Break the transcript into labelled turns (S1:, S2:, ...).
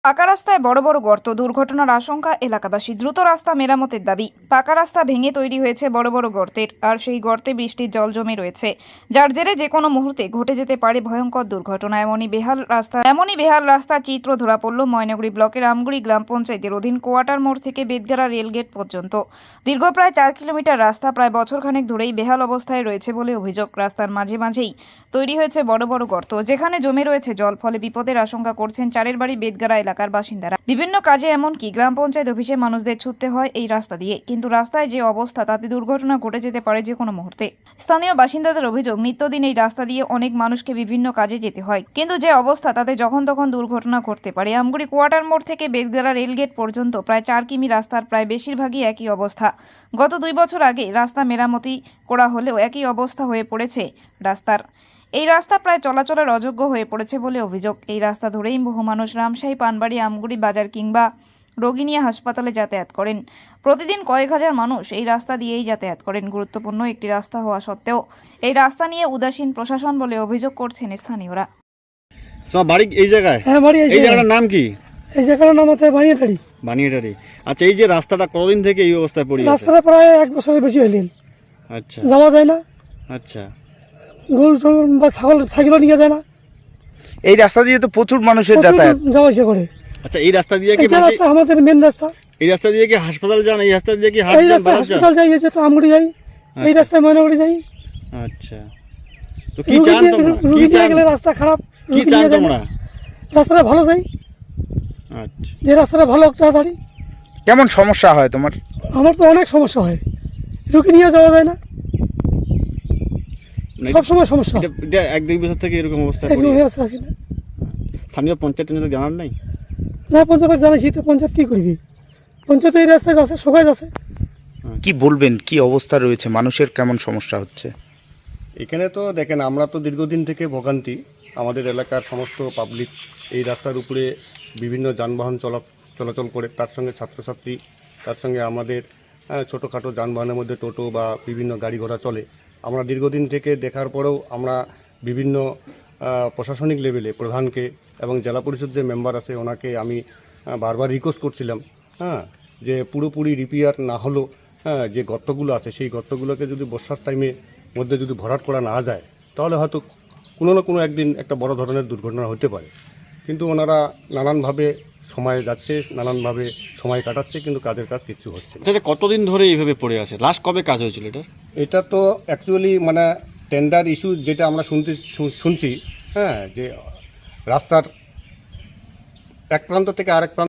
S1: পাকা রাস্তায় বড় বড় গর্ত, দুর্ঘটনার আশঙ্কা এলাকাবাসী। দ্রুত রাস্তা মেরামতের দাবি। পাকা রাস্তা ভেঙে তৈরি হয়েছে বড় বড় গর্তের, আর সেই গর্তে বৃষ্টির জল জমে রয়েছে, যার জেরে যে কোনো মুহূর্তে ঘটে যেতে পারে ভয়ঙ্কর দুর্ঘটনা। এমনই বেহাল রাস্তার চিত্র ধরা পড়ল ময়নাগুড়ি ব্লকের আমগুড়ি গ্রাম পঞ্চায়েতের অধীন কোয়াটার মোড় থেকে বেদগাড়া রেলগেট পর্যন্ত। দীর্ঘ প্রায় 4 কিলোমিটার রাস্তা প্রায় বছরখানেক ধরেই বেহাল অবস্থায় রয়েছে বলে অভিযোগ। রাস্তার মাঝে মাঝেই তৈরি হয়েছে বড় বড় গর্ত, যেখানে জমে রয়েছে জল, ফলে বিপদের আশঙ্কা করছেন চারের বাড়ি বেদগাড়া এলাকার বাসিন্দারা। বিভিন্ন কাজে, এমনকি গ্রাম পঞ্চায়েত অফিসে মানুষদের ছুটতে হয় এই রাস্তা দিয়ে, কিন্তু রাস্তায় যে অবস্থা তাতে দুর্ঘটনা ঘটে যেতে পারে যে কোনো মুহূর্তে। স্থানীয় বাসিন্দাদের অভিযোগ, নিত্যদিন এই রাস্তা দিয়ে অনেক মানুষকে বিভিন্ন কাজে যেতে হয়, কিন্তু যে অবস্থা তাতে যখন তখন দুর্ঘটনা ঘটতে পারে। আমগুড়ি কোয়াটার মোড় থেকে বেদগাড়া রেলগেট পর্যন্ত প্রায় 4 কিমি রাস্তার প্রায় বেশিরভাগই একই অবস্থা। গত 2 বছর আগে রাস্তা মেরামতি করা হলেও একই অবস্থা হয়ে পড়েছে রাস্তার। এই রাস্তা প্রায় চলাচলের অযোগ্য হয়ে পড়েছে বলে অভিযোগ। এই রাস্তা ধরেই বহু মানুষ রামশাহী, পানবাড়ি, আমগুড়ি বাজার কিংবা রোগী নিয়ে হাসপাতালে যাতায়াত করেন। প্রতিদিন কয়েক হাজার মানুষ এই রাস্তা দিয়েই যাতায়াত করেন। গুরুত্বপূর্ণ একটি রাস্তা হওয়া সত্ত্বেও এই রাস্তা নিয়ে উদাসীন প্রশাসন বলে অভিযোগ করছেন স্থানীয়রা।
S2: তোমার বাড়ি এই জায়গায়?
S3: হ্যাঁ, বাড়ি
S2: এই জায়গাটার নাম কি?
S3: এই জায়গাটার নাম আছে বানিয়াটারি।
S2: বানিয়াটারি। আচ্ছা, এই যে রাস্তাটা কতদিন থেকে এই অবস্থায় পড়ে আছে?
S3: রাস্তাটা প্রায় 1 বছরের বেশি হইলেন।
S2: আচ্ছা
S3: যাওয়া যায় না,
S2: আচ্ছা।
S3: গরু বা ছাগল সাইকেলও নিয়ে যায় না।
S4: এই রাস্তা দিয়ে তো প্রচুর মানুষের যাতায়াত।
S3: যাওয়া ইচ্ছে করে।
S2: আচ্ছা, এই রাস্তা দিয়ে কি
S3: এটা রাস্তা আমাদের মেন রাস্তা।
S2: এই রাস্তা দিয়ে কি হাসপাতাল যান? এই রাস্তা দিয়ে কি হাট
S3: এই
S2: যান,
S3: রাস্তা
S2: বাজার যান?
S3: হাসপাতাল যাই, এই যে তো আমগুড়ি যাই, এই রাস্তায় ময়নাগুড়ি যাই।
S2: আচ্ছা, তো কি চান তোমরা? কি
S3: রুগী নিয়ে
S2: চান?
S3: গেলে রাস্তা খারাপ,
S2: কি
S3: রুগী
S2: চান
S3: নিয়ে যায় না।
S2: তোমরা?
S3: রাস্তাটা ভালো চাই,
S2: আচ্ছা,
S3: যে রাস্তাটা ভালো হোক তাড়াতাড়ি।
S4: কেমন সমস্যা হয় তোমার?
S3: আমার তো অনেক সমস্যা হয়, রুগী নিয়ে যাওয়া যায় না,
S2: মানে
S3: সব সময় সমস্যা।
S2: এটা 1-2 বছর থেকে এরকম অবস্থা
S3: এরকম
S2: পড়ে
S3: হয়ে
S2: আছে।
S3: আছে আসি না।
S2: স্থানীয় পঞ্চায়েত জানার নাই?
S3: না, পঞ্চায়েত জানাইছি তো, পঞ্চায়েত কি করবি? পঞ্চায়েত এই রাস্তায় আছে, সবাই আছে।
S4: কি বলবেন, কি অবস্থা রয়েছে, মানুষের কেমন সমস্যা হচ্ছে?
S5: এখানে তো দেখেন, আমরা তো দীর্ঘদিন থেকে ভোগান্তি। আমাদের এলাকার সমস্ত পাবলিক এই রাস্তার উপরে বিভিন্ন যানবাহন চলাচল করে, তার সঙ্গে ছাত্রছাত্রী, তার সঙ্গে আমাদের ছোটোখাটো যানবাহনের মধ্যে টোটো বা বিভিন্ন গাড়ি ঘোড়া চলে। আমরা দীর্ঘদিন থেকে দেখার পরেও আমরা বিভিন্ন প্রশাসনিক লেভেলে প্রধানকে এবং জেলা পরিষদ যে মেম্বার আছে ওনাকে আমি বারবার রিকোয়েস্ট করছিলাম, যে পুরোপুরি রিপেয়ার না হলেও যে গর্তগুলো আছে সেই গর্তগুলোকে যদি বর্ষার টাইমে মধ্যে যদি ভরাট করা না যায়, তাহলে হয়তো কোনো না কোনো একদিন একটা বড় ধরনের দুর্ঘটনা হতে পারে। কিন্তু ওনারা নানানভাবে সময় যাচ্ছে, নানানভাবে সময় কাটাচ্ছে, কিন্তু কাজের কাজ কিচ্ছু হচ্ছে না।
S2: আচ্ছা, কতদিন ধরে এইভাবে পড়ে আছে? লাস্ট কবে কাজ হয়েছিল এটা?
S5: এটা তো অ্যাকচুয়ালি মানে টেন্ডার ইস্যু যেটা আমরা শুনছি, যে রাস্তার এক প্রান্ত থেকে আরেক প্রান্ত